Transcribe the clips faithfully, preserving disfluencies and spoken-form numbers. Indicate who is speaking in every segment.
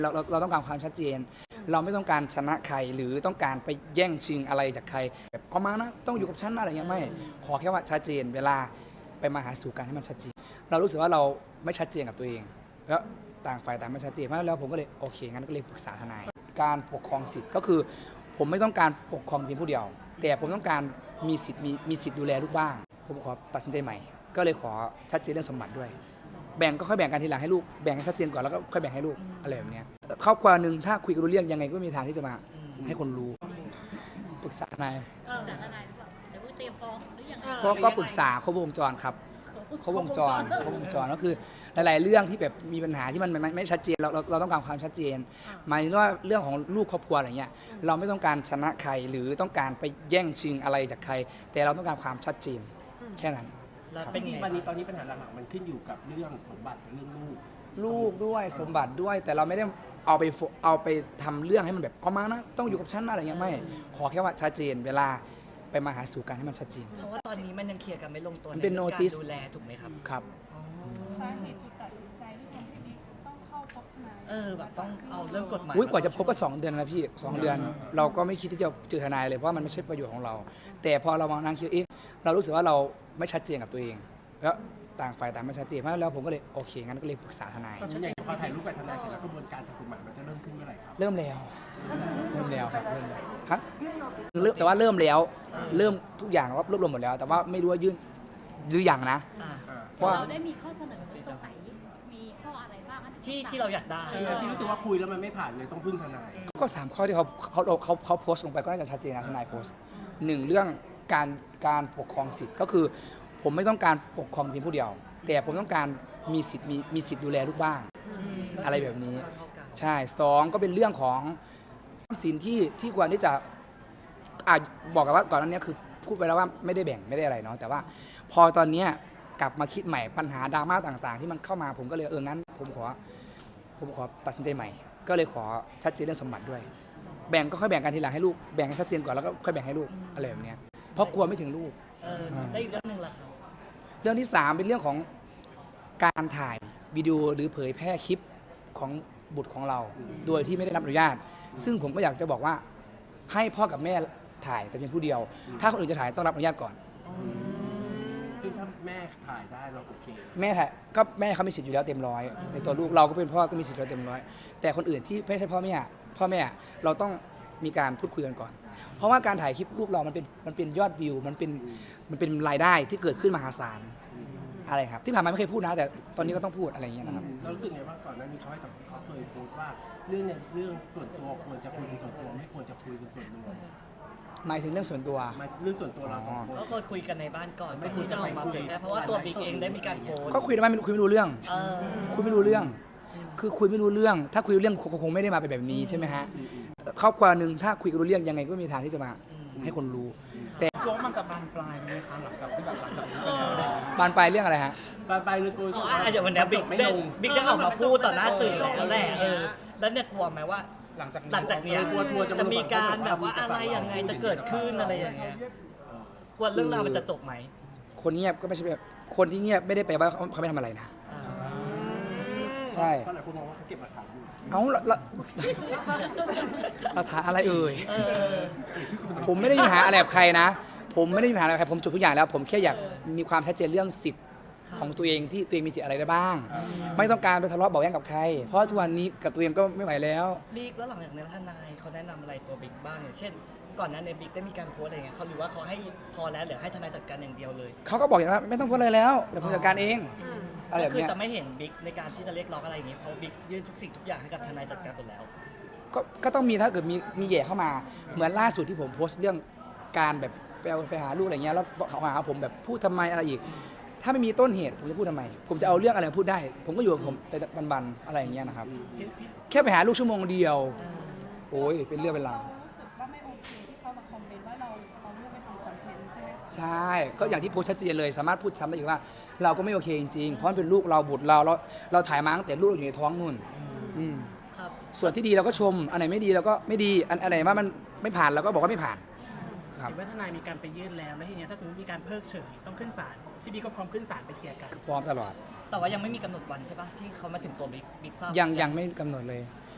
Speaker 1: เราเราเราต้องการความชัดเจนเราไม่ต้องการชนะใครหรือต้องการไปแย่งชิงอะไรจากใครแบบเอามานะต้องอยู่กับฉันอะไรเงี้ยไม่ขอแค่ว่าชัดเจนเวลาไปมาหาสู่กันให้มันชัดเจนเรารู้สึกว่าเราไม่ชัดเจนกับตัวเองแล้วต่างฝ่ายต่างไม่ชัดเจนเพราะแล้วผมก็เลยโอเคงั้นก็เลยปรึกษาทนายการปกครองสิทธิ์ก็คือผมไม่ต้องการปกครองเพียงผู้เดียวแต่ผมต้องการมีสิทธิ์มีมีสิทธิ์ดูแลลูกบ้างผมขอตัดสินใจใหม่ก็เลยขอชัดเจนเรื่องสมบัติด้วยแบ่งก็ค่อยแบ่งกันทีหลังให้ลูกแบ่งให้ชัดเจนก่อนแล้วก็ค่อยแบ่งให้ลูกอะไรแบบนี้ครอบครัวหนึ่งถ้าคุยกันรู้เรื่องยังไงก็มีทางที่จะมาให้คนรู้ปรึกษาทนาย
Speaker 2: ปรึกษาทนายหรือเปล่าเดี๋ยวเตรียมฟ้องหรือยังไง
Speaker 1: ก็ก็ปรึกษาครบวงจรครับครบวงจรครบวงจรก็คือหลายๆเรื่องที่แบบมีปัญหาที่มันไม่ไม่ชัดเจนเราเราเราต้องการความชัดเจนหมายถึงว่าเรื่องของลูกครอบครัวอะไรเงี้ยเราไม่ต้องการชนะใครหรือต้องการไปแย่งชิงอะไรจากใครแต่เราต้องการความชัดเจนแค่นั้น
Speaker 3: แล้วจริงๆวันนี้ตอนนี้ปัญหาหลักๆมันขึ้นอยู่กับเรื่องสมบัติกับเรื่องลูก
Speaker 1: ลูกด้วยสมบัติด้วยแต่เราไม่ได้เอาไปเอาไปทำเรื่องให้มันแบบเอามานะต้องอยู่กับฉันอะไรเงี้ยไม่ขอแค่ว่าชัดเจนเวลาไปมาหาสู่กันให้มันชัดเจน
Speaker 4: เพราะว่าตอนนี้มันยังเคลียร์กันไม่ลงตัว
Speaker 1: มันเป็น notice
Speaker 4: ดูแลถูกไหมครับ
Speaker 1: ครับ
Speaker 5: สาเหตุจุดตัดสินใจที่ทำให้บิ๊กต้องเข้าพบทนาย
Speaker 4: เออแบบต้องเอาเรื่องกฎหมาย
Speaker 1: อุ้ยกว่าจะพบก็สองเดือนนะพี่สองเดือนเราก็ไม่คิดที่จะเจอทนายเลยเพราะมันไม่ใช่ประโยชน์ของเราแต่พอเรามานั่งคิดเอ๊ะเรารู้สึกว่าเราไม่ชัดเจนกับตัวเองแล้วต่างฝ่ายต่างไม่ชัดเจนเพราะแล้วผมก็เลยโอเคงั้นก็เลยปรึกษาทนาย
Speaker 3: อย่างพอถ่ายรูปกับทนายเสร็จแล้วกระบวนการทางกฎหมายมันจะเริ่มขึ้นเมื่อไหร่ครับ
Speaker 1: เริ่มแล้วเริ่มแล้วครับเริ่มแล้วครับเริ่มแต่ว่าเริ่มแล้วเริ่มทุกอย่างรวบรวมหมดแล้วแต่ว่าไม่รู้ว่ายื่นหรือยังนะ
Speaker 2: เพราะเราได้มีข้อเสนอตรงไหนมีข้ออะไรบ้าง
Speaker 4: ที่ที่เราอยากได้
Speaker 3: ที่รู้สึกว่าคุยแล้วมันไม่ผ่านเลยต้องพึ่งทนาย
Speaker 1: ก็สามข้อที่เขาเขาเขาเขาโพสต์ลงไปก็น่าจะชัดเจนนะทนายโพสต์หนึ่งเรื่องการการปกครองสิทธิ์ก็คือผมไม่ต้องการปกครองเพียงผู้เดียวแต่ผมต้องการมีสิทธิ์มีมีสิทธิ์ดูแลลูกบ้างอะไรแบบนี้ใช่สองก็เป็นเรื่องของสินที่ที่ควรที่จะอ่ะบอกกันว่าก่อนหน้านี้คือพูดไปแล้วว่าไม่ได้แบ่งไม่ได้อะไรเนาะแต่ว่าพอตอนนี้กลับมาคิดใหม่ปัญหาดราม่าต่างๆที่มันเข้ามาผมก็เลยเอองั้นผมขอผมขอตัดสินใจใหม่ก็เลยขอชัดเจนเรื่องสมบัติด้วยแบ่งก็ค่อยแบ่งกันทีหลังให้ลูกแบ่งให้ชัดเจนก่อนแล้วก็ค่อยแบ่งให้ลูกอะไรแบบนี้เพราะกลัวไม่ถึงลูก
Speaker 4: ได้อีกเรื่องนึงล่ะครับ
Speaker 1: เรื่องที่สามเป็นเรื่องของการถ่ายวิดีโอหรือเผยแพร่คลิปของบุตรของเราโดยที่ไม่ได้รับอนุญาตซึ่งผมก็อยากจะบอกว่าให้พ่อกับแม่ถ่ายแต่เพียงผู้เดียวถ้าคนอื่นจะถ่ายต้องรับอนุญาตก่อน
Speaker 3: ซึ่งถ้าแม่ถ่ายได้เราโอเค
Speaker 1: แม่ถ่ายก็แม่เขามีสิทธิ์อยู่แล้วเต็มร้อยในตัวลูกเราก็เป็นพ่อก็มีสิทธิ์อยู่แล้วเต็มร้อยแต่คนอื่นที่ไม่ใช่พ่อแม่พ่อแม่เราต้องมีการพูดคุยกันก่อนเพราะว่าการถ่ายคลิปลูกเรามันเป็นมันเป็นยอดวิวมันเป็นมันเป็นรายได้ที่เกิดขึ้นมหาศาลอะไรครับที่ผ่านมาไม่เคยพูดนะแต่ตอนนี้ก็ต้องพูดอะไรอย่างเงี้ยนะครับ
Speaker 3: เรารู้สึกไงว่าก่อนหน้านี้เขาให้สัมภาษณ์เขาเคยพูดว่าเรื่องเนี่ยเรื่องส่วนตัวควรจะคุยกันส่วนตัวไม่ควรจะคุยกันส่วนรวม
Speaker 1: หมายถึงเรื่องส่วนตัว
Speaker 3: เรื่องส่วนตัวเราสองคน
Speaker 4: ก็ควรคุยกันในบ้านก่อนไม่คุยจะออกมาเผยแพร่เพราะว่าตัวบิ๊กเองได้มีการโพส
Speaker 1: ก็คุยได้ไม่คุยไม่รู้เรื่องคุยไม่รู้เรื่องคือคุยไม่รู้เรื่องถ้าคุยรู้เรื่องคงไม่ได้มาเป็นแบบนี้ใช่ไหมฮะครอบครัวหนึ่งถ้าคุยรู้เรื่องยังไงก็มีทางที่จะมาให้คนรู้แต่
Speaker 6: ร้องมันจะบานปลายไหมคะหลังจากที่แบบหลังจากนี้
Speaker 1: บานปลายเรื่องอะไรฮะ
Speaker 3: บานปลายเลยกู
Speaker 4: อ๋อเดี๋ยววันนี้บิ๊กได้บิ๊กได้ออกมาพูดต่อหน้าสื่อแล้วแหละเออแล้วเนี่ยกลัวไหมว่า
Speaker 6: หลังจาก
Speaker 4: หลังจากนี้จะมีการแบบว่าอะไรยังไงจะเกิดขึ้นอะไรอย่างเงี้ยกลัวเรื่องราวมันจะจบไหม
Speaker 1: คนเงียบก็ไม่ใช่แบบคนที่เงียบไม่ได้แปลว่าเขาไม่ทำอะไรนะใช่
Speaker 3: เพราะหลายคนมองว่าเขาเก็บหลักฐานอยู่
Speaker 1: เอ้าละหลักฐานอะไรเอ่ยผมไม่ได้มีปัญหาอะไรกับใครนะผมไม่ได้มีปัญหาอะไรกับใครผมจบทุกอย่างแล้วผมแค่อยากมีความชัดเจนเรื่องสิทธิ์ของตัวเองที่ตัวเองมีสิทธิ์อะไรได้บ้างไม่ต้องการไปทะเลาะเบาแว้งกับใครเพราะทุกวันนี้กับตัวเองก็ไม่ไหวแล้ว
Speaker 4: บิ๊กแล้วหลังจากนี้ทนายเขาแนะนำอะไรตัวบิ๊กบ้างอย่างเช่นก่อนนั้นในบิ๊กได้มีการโพสอะไรเงี้ยเขาหรือว่าเขาให้พอแล้วหรือให้ทนายจัดการอย่างเดียวเลย
Speaker 1: เขาก็บอกอย่างว่าไม่ต้องโพสอะไรแล้วเดี๋ยวผมจัดการเอง
Speaker 4: อะไรแบบนี้คือจะไม่เห็นบิ๊กในการที่จะเรียกร้องอะไรอย่างนี้เพราะบิ๊กยื่นทุกสิ่งทุกอย่างให้กับทนายจัดการหมดแล้ว
Speaker 1: ก็ก็ต้องมีถ้าเกิดมีมีแย่เข้ามาเหมือนล่าสุดที่ผมโพสต์เรื่องการแบบไปไปหาลูกอะไรเงี้ยแล้วเขาหาผมแบบพูดทำไมอะไรอีกถ้าไม่มีต้นเหตุผมจะพูดทำไมผมจะเอาเรื่องอะไรพูดได้ผมก็อยู่กับผมไปบันๆอะไรอย่างเงี้ยนะครับแค่ไปหาลูกชั่วโมงเดียวโอ้ยเป็นเรื่องเป็นราว
Speaker 5: รู้สึกว่าไม่โอเคที่เขามาคอมเมนต์ว่าเราเอาลูกไปทำคอนเทนต์ใช่ไหม
Speaker 1: ใช่ก็อย่างที่โพสต์ชัดเจนเลยสามารถพูดซ้ำได้อีกว่าเราก็ไม่โอเคจริงๆเพราะมันเป็นลูกเราบุตรเราเราเราถ่ายมาตั้งแต่ลูกอยู่ในท้องนู่นส่วนที่ดีเราก็ชมอันไหนไม่ดีเราก็ไม่ดีอันไหนว่ามันไม่ผ่านเราก็บอกว่าไม่ผ่าน
Speaker 6: เห็นว่าทนายมีการไปยื่นแล้วแล้วทีนี้ถ้าสมมติมีการเพิกเฉยต้องขึ้นศาลที่บิ๊กก็พร้อมขึ้นศาลไปเคลียร์กัน
Speaker 1: พร้อมตลอด
Speaker 4: แต่ว่ายังไม่มีกำหนดวันใช่ปะที่เขามาถึงตัวบิ๊กบิ๊กทราบ
Speaker 1: ยังยังไม่กำหนดเลย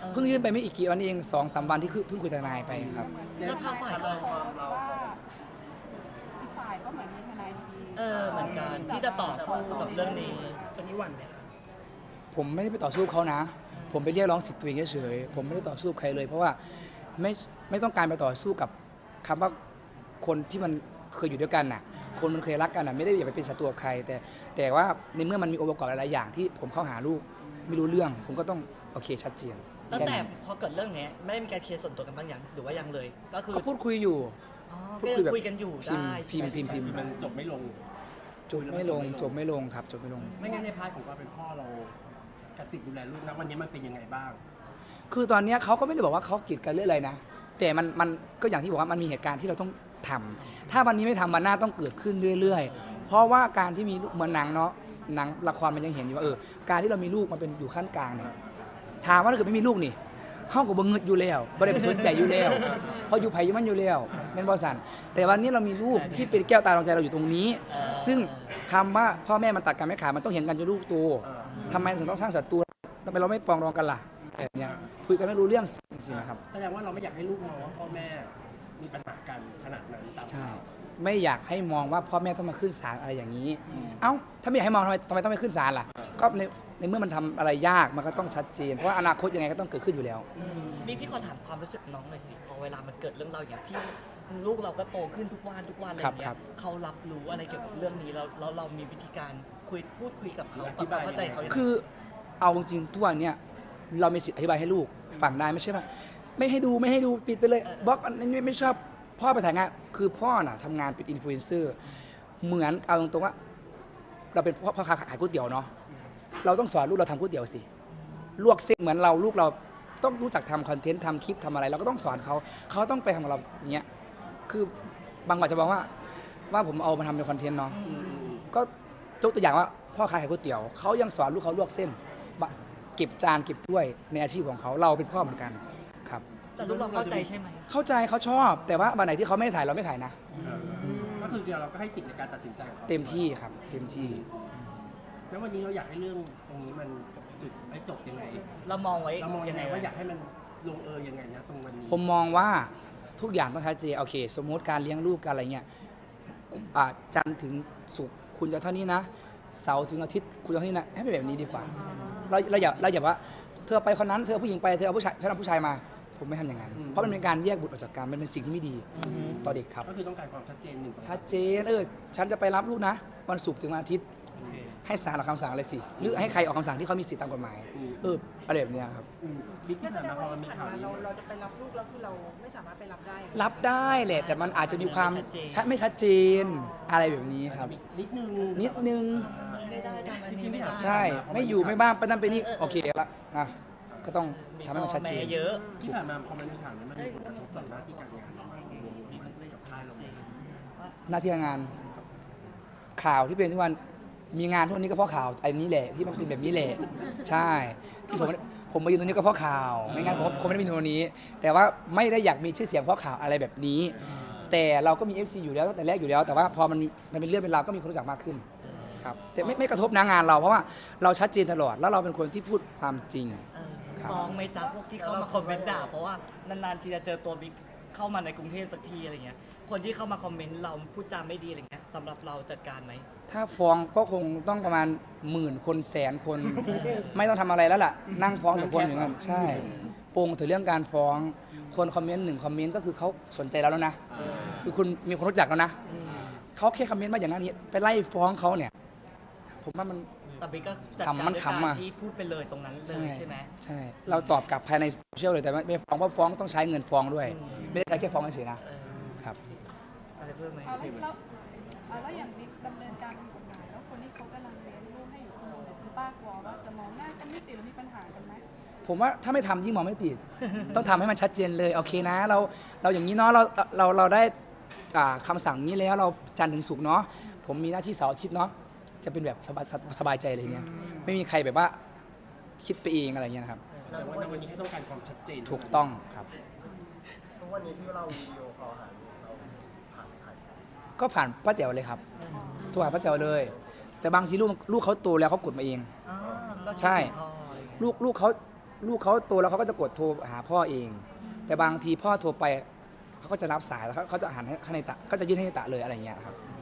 Speaker 4: ออ
Speaker 1: เพิ่งยื่นไปไม่อีกกี่วันเองสองสามวันที่คือเพิ่งคุยทนายไปครับ
Speaker 4: แล้วทางฝ่าย
Speaker 5: เขา
Speaker 4: เขา
Speaker 5: โพสต์ว่าอีกฝ่ายก็เหมือนมีทนายดี
Speaker 4: เออเหมือนกันที่จะต่อสู้กับเรื่องนี้
Speaker 6: ตอนนี้หวั่นไหมคะ
Speaker 1: ผมไม่ได้ไปต่อสู้เขานะ ผมไปเรียกร้องสิทธิ์ตัวเองเฉยๆผมไม่ได้ต่อสู้กับใครเลย เพราะว่าไม่ไม่ต้องการไปต่อสู้กับคำว่าคนที่มันเคยอยู่ด้วยกันน่ะ คนมันเคยรักกันน่ะไม่ได้อยากไปเป็นศัตรูกับใคร แต่แต่ว่าในเมื่อมันมีองค์ประกอบหลายๆอย่างที่ผมเข้าหาลูกไม่รู้เรื่อง ผมก็ต้องโอเคชัดเจน
Speaker 4: ตั้ง
Speaker 1: ค่
Speaker 4: แต่
Speaker 1: นั้น
Speaker 4: พอเกิดเรื่องเนี้ยไม่ได้มีการเคลียร์ส่วนตัวกันบ้างยังหรือว่ายังเลย ก็คือ
Speaker 1: ก็พูดคุยอยู่
Speaker 4: อ๋อ
Speaker 1: พู
Speaker 4: ก็
Speaker 1: ดคุยแบบ
Speaker 4: คุยกันอยู่
Speaker 1: พิมพ์
Speaker 4: ได้
Speaker 1: พิมพ์พิมพ์พิมพ์
Speaker 3: มันจบไม่ลง
Speaker 1: จบไม่ลงจบไม่ลงครับจบไม่ลง
Speaker 3: ไม่งั้นในพาร์ทของความเป็นพ่อเรากสิทธิ์ดูแลลูกนะวันนี้มันเป็นยังไงบ้าง
Speaker 1: คือตอนเนี้ยเขาก็ไม่ได้บอกว่าเขากีดกันเรื่องอะไรนะ แต่มันมันก็อย่างที่บอกว่ามันมีเหตุการณ์ที่เราต้องทำถ้าวันนี้ไม่ทำวันหน้าต้องเกิดขึ้นเรื่อยๆ เพราะว่าการที่มีลูกเหมือนหนังเนาะหนังละครมันยังเห็นอยู่ว่าเออการที่เรามีลูกมันเป็นอยู่ขั้นกลางเนี่ยถามว่าถ้าเกิดไม่มีลูกนี่ห้องกับบังเงิดอยู่แล้วไม่ได้ไปสนใจอยู่แล้วเพราะอยู่ไผ่อยู่มันอยู่แล้วเป็นบอสันแต่วันนี้เรามีลูกที่เป็นแก้วตาดวงใจเราอยู่ตรงนี้ ซึ่งคำว่าพ่อแม่มันตัดกันไม่ขาดมันต้องเห็นกันจนลูกโตทำไมถึงต้องสร้างศัตรูทำไมเราไม่ปรองดองกันล่ะแบบเนี้ยคุยกันไม่รู้เรื่องสินะครับ
Speaker 3: แสดงว่าเราไม่อยากให้ลูกมองว่าพ่อแม่มีปัญหากันขนาดนั้นตาม
Speaker 1: ใช่
Speaker 3: ข่าว
Speaker 1: ไม่อยากให้มองว่าพ่อแม่ต้องมาขึ้นศาลอะไรอย่างนี้ เอ้าถ้าไม่อยากให้มองทำไมทำไมต้องไปขึ้นศาลล่ะ ก็ในในเมื่อมันทำอะไรยากมันก็ต้องชัดเจนเพราะว่าอนาคตยังไงก็ต้องเกิดขึ้นอยู่แล้ว
Speaker 4: นี่พี่ขอถามความรู้สึกน้องหน่อยสิพอเวลามันเกิดเรื่องเราวอย่างพี่ลูกเราก็โตขึ้นทุกวันทุกวันอะไรอย่างเงี้
Speaker 1: ครั
Speaker 4: ย
Speaker 1: บ
Speaker 4: เขารับรู้อะไรเกี่ยวกับเรื่องนี้แล้วแล้วเรามีวิธีการคุยพูดคุยกับเขาปรับความเข้าใจเขายังไง
Speaker 1: คือเอาจริงๆทุกวันเนี้ยเรามีสิทธิ์อธิบายให้ลูกฟังได้ไม่ใช่ว่าไม่ให้ดูไม่ให้ดูปิดไปเลยบล็อกอันนี้ไม่ชอบพ่อไปถ่ายงานคือพ่อน่ะทำงานเป็นอินฟลูเอนเซอร์เหมือนเอาตรงๆว่า เราเป็นพ่อพ่อค้าขายก๋วยเตี๋ยวเนาะเราต้องสอนลูกเราทำก๋วยเตี๋ยวสิลวกเส้นเหมือนเราลูกเราต้องรู้จักทำคอนเทนต์ทำคลิปทำอะไรเราก็ต้องสอนเขาเขาต้องไปทำกับเราอย่างเงี้ยคือบางคนจะบอกว่าว่าผมเอามาทำเป็นคอนเทนต์เนาะก็ยกตัวอย่างว่าพ่อค้าขายก๋วยเตี๋ยวเขายังสอนลูกเขาลวกเส้นบะเก็บจานเก็บถ้วยในอาชีพของเขาเราเป็นพ่อเหมือนกันครับ
Speaker 4: แต่ลูกเราเข้าใจใช่ไหม
Speaker 1: เข้าใจเขาชอบ แต่ว่าวันไหนที่เขาไม่ได้ถ่ายเราไม่ถ่ายนะ
Speaker 3: เออก็คือเราก็ให้สิทธิ์ในการตัดสินใจของเขา
Speaker 1: เต็มที่ครับ เต็มที่
Speaker 3: แล้ววันนี้เราอยากให้เรื่องตรงนี้มันจุดไอ้จบยังไง
Speaker 4: เรามองไว้
Speaker 3: เรามองยังไงว่าอยากให้มันลงเอยยังไงนะตรงวันนี้
Speaker 1: ผมมองว่าทุกอย่างต้องชัดเจนโอเค สมมติการเลี้ยงลูกการอะไรเงี้ยอ่าจันทร์ถึงศุกร์คุณจะเท่านี้นะ เสาร์ถึงอาทิตย์คุณจะเท่านี้นะให้เป็นแบบนี้ดีกว่า เราเราอย่าเราอย่าว่าเธอไปคนนั้นเธอผู้หญิงไปเธอเอาผู้ชายฉันเอาผู้ชายมา ผมไม่ทำอย่างนั้น เพราะมันเป็นการแยกบุตรออกจากกันมันเป็นสิ่งที่ไม่ดีต่อเด็กครับ
Speaker 3: ก็คือต้องการความชัดเจนหนึ่งสอง
Speaker 1: ชัดเจนเออฉันจะไปรับลูกนะวันศุกร์ถึงวันอาทิตย์ ให้ศาลออกคำสั่งอะไรสิหรือให้ใครออกคำสั่งที่เขามีสิทธิตามกฎหมายเอออะไรแบบเนี้ยครับ
Speaker 3: อืมบิ๊ก
Speaker 5: ก็
Speaker 3: ที่
Speaker 5: แส
Speaker 3: ผ่าน
Speaker 5: ดง
Speaker 3: มาพอ
Speaker 5: ว่า
Speaker 3: มันมี
Speaker 5: ที่ผ่าน
Speaker 3: ข่าว
Speaker 5: มา
Speaker 3: นี้
Speaker 5: เราเราจะไปรับลูกแล้วคือเราไม่สามารถไปรับได้
Speaker 1: รับได้แหละแต่มันอาจจะมีความชัดไม่ชัดเจนอะไรแบบนี้ครับ
Speaker 3: นิดนึง
Speaker 1: นิดนึง
Speaker 4: ไม่ได้ทำอันนี้ไม่ได้
Speaker 1: ใช่ไม่อยู่ไม่บ้างไปนั่นไปนี่โอเคละนะก็ต้อง
Speaker 4: มี
Speaker 1: ทำให้มันชัดเจ
Speaker 4: พ่
Speaker 1: น
Speaker 4: อแม่เยอะ
Speaker 3: ที่ผ่านมาพอมันมีข่าวนี้มันมีผลกระทบต่อหน้าที่การงานเราไหมกับค่ายเราไหม
Speaker 1: หน้าที่การงานข่าวที่เป็นทุกวันมีงานทุกวันนี้ก็เพราะข่าวไอ้นี้แหละที่มันเป็นแบบนี้แหละใช่ที่ผมผมมาอยู่ตรงนี้ก็เพราะข่าวไม่งั้นผมคงไม่ได้มีตรงนี้ แต่ว่าไม่ได้อยากมีชื่อเสียงเพราะข่าวอะไรแบบนี้ แต่เราก็มี เอฟ ซี อยู่แล้วตั้งแต่แรกอยู่แล้ว แต่ว่าพอมันมันเป็นเรื่องเป็นราวก็มีคนรู้จักมากขึ้นครับแต่ไม่ไม่กระทบนะงานเราเพราะว่าเราชัดเจนตลอดแล้วเราเป็นคนที่พูดความจริง
Speaker 4: เออ
Speaker 1: ครับ
Speaker 4: ฟ้องไหม่จ้าพวกที่เข้ามาคอมเมนต์ด่าเพราะว่านานๆทีจะเจอตัวบิ๊กเข้ามาในกรุงเทพสักทีอะไรเงี้ยคนที่เข้ามาคอมเมนต์เราพูดจาไม่ดีอะไรเงี้ยสำหรับเราจัดการไหม
Speaker 1: ถ้าฟ้องก็คงต้องประมาณหมื่นคนแสนคน ไม่ต้องทำอะไรแล้วล่ะ นั่งฟ้องแต่คนอย่างนั้นใช่โปงถึงเรื่องการฟ้องคนคอมเมนต์หนึ่งคอมเมนต์ก็คือเขาสนใจเราแล้วนะคือคุณมีคนรู้จักแล้วนะเขาแค่คอมเมนต์มาอย่างนั้นนี้ไปไล่ฟ้องเขาเนี่ย ผมว่ามัน
Speaker 4: แต่บิ๊กก็จัด
Speaker 1: ขำ
Speaker 4: การ
Speaker 1: มัน
Speaker 4: ด้วย
Speaker 1: ขำ
Speaker 4: กา
Speaker 1: อะ
Speaker 4: รที่พูดไปเลยตรงนั้นเลยใช่ไหม
Speaker 1: ใช่ เราตอบกลับภายในโซเชียลเลยแต่ไม่ฟ้องเพราะฟ้องต้องใช้เงินฟ้องด้วย
Speaker 4: อืม
Speaker 1: ไม่ได้ใช้แค่ฟ้องเฉยๆนะ
Speaker 4: เออ
Speaker 1: ครับ
Speaker 4: อะไรเพิ่มไหม
Speaker 5: เอาแล้วแล้วเอาแล้วอย่างบิ๊กดำเนินการทางกฎหมายแล้วคนที่เขากำลังเลี้ยงลูกให้อยู่คนนึงเนี่ยคุณป้ากลัวว่าจะมองหน้ากันไม่ติดหรือมีปัญหากันไหม
Speaker 1: ผมว่าถ้าไม่ทำยิ่งมองไม่ติด ต้องทำให้มันชัดเจนเลยโอเคนะ เราเราอย่างนี้เนาะเราเราเราได้อ่าคำสั่งนี้แล้วเราจันทร์ถึงศุกร์เนาะผมมีหน้าที่เสาร์อาทิตย์เนาะจะเป็นแบบสบายสบายใจเลยเนี่ยไม่มีใครแบบว่าคิดไปเองอะไรเงี้ยนะครับ
Speaker 3: แสดงว่าในวันนี้ให้ต้องการความชัดเจน
Speaker 1: ถูกต้องครับ
Speaker 7: ทุกวันนี้ที่เราวิดีโอคอลหาลูกเราผ่านใคร
Speaker 1: ก็ผ่านป้าแจ๋วเลยครับโทรหาป้าแจ๋วเลย แต่บางทีลูกลูกเขาโตแล้วเขากดมาเอง
Speaker 4: อ๋อก็
Speaker 1: ใช่
Speaker 4: อ๋ออะไรอย่างเงี้ย
Speaker 1: ลูกลูกเขาลูกเขาโตแล้วเขาก็จะกดโทรหาพ่อเอง แต่บางทีพ่อโทรไปเขาก็จะรับสายแล้วเขาเขาจะหันให้ให้ในตะก็จะยื่นให้ในตะเลยอะไรอย่างเงี้ยครับ
Speaker 3: อื